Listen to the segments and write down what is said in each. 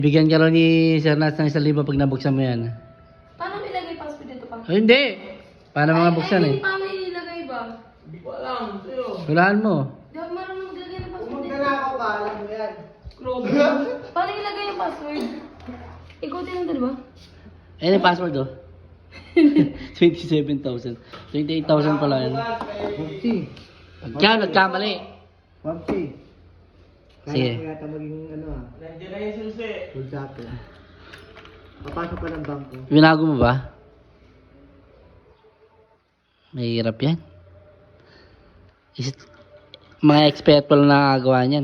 Bigyan ka rin ni Sir Nats ng 1,000 pag nabuksan mo yan. Paano ilagay password dito pa? Ay, hindi. Paano mga buksan eh? Paano ilagay ba? Hindi ko alam. Sa'yo. Hulaan mo. Di ako marunong maglagay ng password Kung dito. maglalakaw ka, alam mo yan. Grabe. Paano ilagay yung password? Ikutin lang ba? Ayan yung password oh. 27,000. 28,000 pala yan. Pupsi. Kaya nagkamali. Pupsi. Sige. Kaya ko yata maging ano ah. Nandiyan na yung susi. Bulsato. Papasok pa ng bangko. Binago mo ba? Mahirap yan. Mga expert pa lang nakagawa niyan.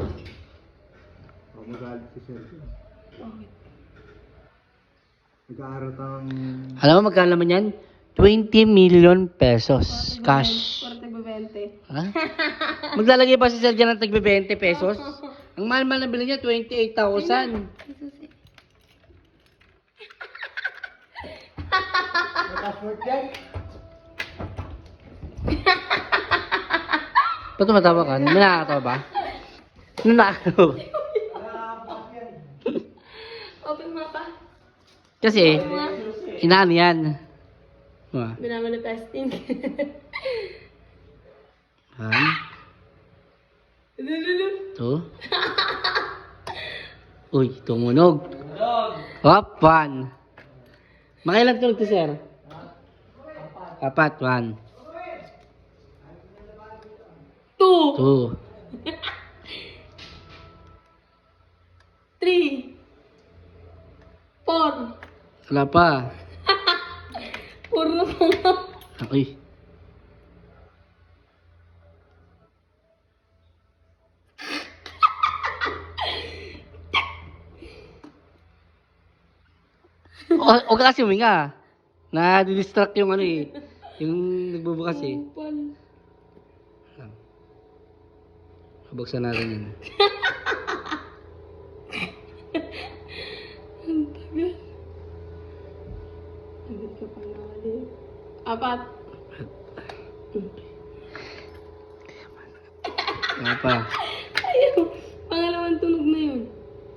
Oh, magalit si Sir. Nag-aaral kang... Alam mo magkano naman yan? 20 million pesos. Cash. 40-20. Ha? Maglalagay pa si Sir dyan ng tagbe 20 pesos? Ang mahal-mahal na bili niya, 28,000. May password yan? Ba't tumatawa ka? May nakakatawa ba? Ano nakakatawa ba? Open mo pa. Kasi, inaan yan. Diba? Binamanifesting. 1, 2. Uy, tumunog. Hop, 1. Makailan tunog to, Sir? 4, 1. 2. 2. 3. 4. Wala pa. Puro na pala. Uy. O ka kasi huminga. Na-distract yung ano eh. Yung nagbubukas eh. Upal. Buksan natin yun. Ang tagal. Agad ka pa nakali. 4. Wala pa. Ayaw. Pangalawang tunog na yun.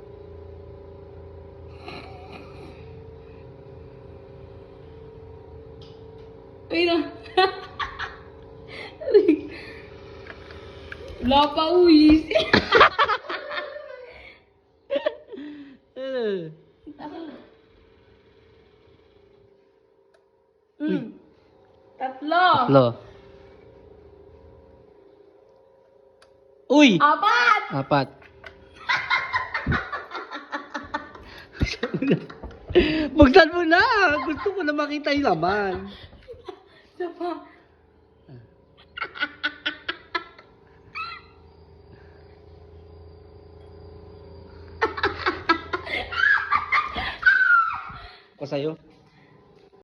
Ay na. Wala pa uwis. Tatlo. Lo. Uy! 4. 4. Buksan mo na! Gusto ko na makita yung laman. Isa pa. Ako sa'yo.